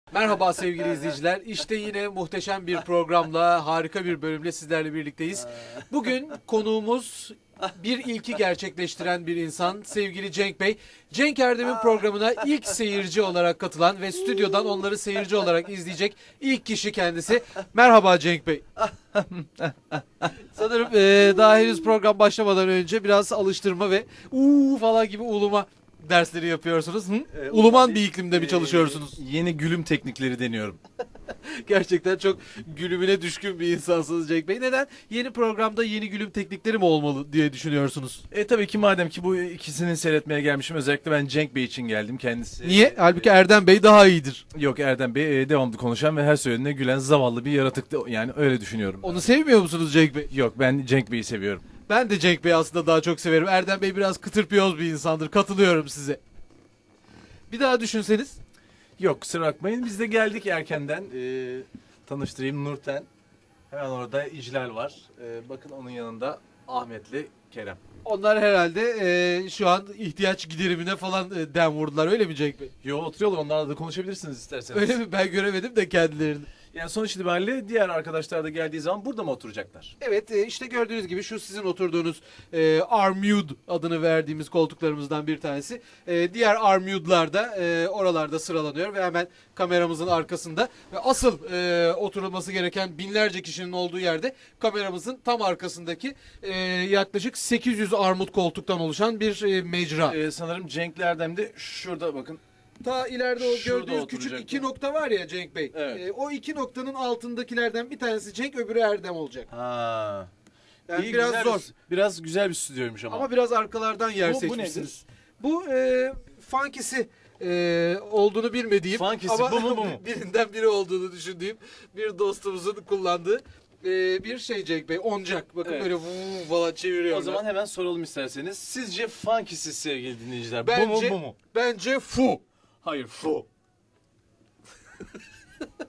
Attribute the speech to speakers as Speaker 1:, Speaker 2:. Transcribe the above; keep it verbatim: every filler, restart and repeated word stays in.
Speaker 1: Merhaba sevgili izleyiciler. İşte yine muhteşem bir programla, harika bir bölümle sizlerle birlikteyiz. Bugün konuğumuz bir ilki gerçekleştiren bir insan, sevgili Cenk Bey. Cenk Erdem'in programına ilk seyirci olarak katılan ve stüdyodan onları seyirci olarak izleyecek ilk kişi kendisi. Merhaba Cenk Bey. Sanırım eee daha henüz program başlamadan önce biraz alıştırma ve uuu falan gibi uluma dersleri yapıyorsunuz. Hı?
Speaker 2: Ee,
Speaker 1: Uluman bir iklimde mi çalışıyorsunuz?
Speaker 2: Ee, yeni gülüm teknikleri deniyorum.
Speaker 1: Gerçekten çok gülümüne düşkün bir insansınız Cenk Bey. Neden? Yeni programda yeni gülüm teknikleri mi olmalı diye düşünüyorsunuz?
Speaker 2: E tabii ki madem ki bu ikisini seyretmeye gelmişim, özellikle ben Cenk Bey için geldim kendisi.
Speaker 1: Niye? Halbuki Erdem Bey daha iyidir.
Speaker 2: Yok, Erdem Bey e, devamlı konuşan ve her söylediğine gülen zavallı bir yaratıktı. Yani öyle düşünüyorum.
Speaker 1: Onu sevmiyor musunuz Cenk Bey?
Speaker 2: Yok, ben Cenk Bey'i seviyorum.
Speaker 1: Ben de Cenk Bey'i aslında daha çok severim. Erdem Bey biraz kıtırpiyoz bir insandır. Katılıyorum size. Bir daha düşünseniz.
Speaker 2: Yok, kusura bakmayın, biz de geldik erkenden. E, tanıştırayım, Nurten. Hemen orada İclal var. E, bakın onun yanında Ahmet'le Kerem.
Speaker 1: Onlar herhalde eee, şu an ihtiyaç giderimine falan e, dem vurdular. Öyle mi Cenk Bey?
Speaker 2: Yo, oturuyorlar, onlarla da konuşabilirsiniz isterseniz.
Speaker 1: Öyle mi? Ben göremedim de kendilerini.
Speaker 2: Yani sonuç itibariyle diğer arkadaşlar da geldiği zaman burada mı oturacaklar?
Speaker 1: Evet, e, işte gördüğünüz gibi şu sizin oturduğunuz e, Armude adını verdiğimiz koltuklarımızdan bir tanesi. E, diğer Armude'lar da e, oralarda sıralanıyor ve hemen kameramızın arkasında. Ve asıl e, oturulması gereken binlerce kişinin olduğu yerde kameramızın tam arkasındaki e, yaklaşık sekiz yüz armut koltuktan oluşan bir e, mecra.
Speaker 2: Ee, sanırım Cenk Erdem de şurada bakın.
Speaker 1: Ta ileride o
Speaker 2: Şurada
Speaker 1: gördüğünüz küçük
Speaker 2: oturacak
Speaker 1: iki
Speaker 2: mı?
Speaker 1: nokta var ya Cenk Bey.
Speaker 2: Evet.
Speaker 1: E, o iki noktanın altındakilerden bir tanesi Cenk, öbürü Erdem olacak.
Speaker 2: Ha.
Speaker 1: Yani
Speaker 2: İyi,
Speaker 1: biraz
Speaker 2: güzel
Speaker 1: zor.
Speaker 2: Bir, biraz güzel bir stüdyoymuş ama.
Speaker 1: Ama biraz arkalardan yer
Speaker 2: Bu- bu
Speaker 1: seçmişsiniz. Bu, e, funkisi e, olduğunu bilmediğim
Speaker 2: Funkisi,
Speaker 1: ama
Speaker 2: bu mu, bu mu?
Speaker 1: birinden biri olduğunu düşündüğüm bir dostumuzun kullandığı e, bir şey Cenk Bey. Oncak. Bakın
Speaker 2: Evet.
Speaker 1: böyle vuuu falan çeviriyor.
Speaker 2: O zaman hemen soralım isterseniz. Sizce funkisi sevgili dinleyiciler,
Speaker 1: bence,
Speaker 2: bu mu bu mu?
Speaker 1: Bence fu.
Speaker 2: Hayır, fu.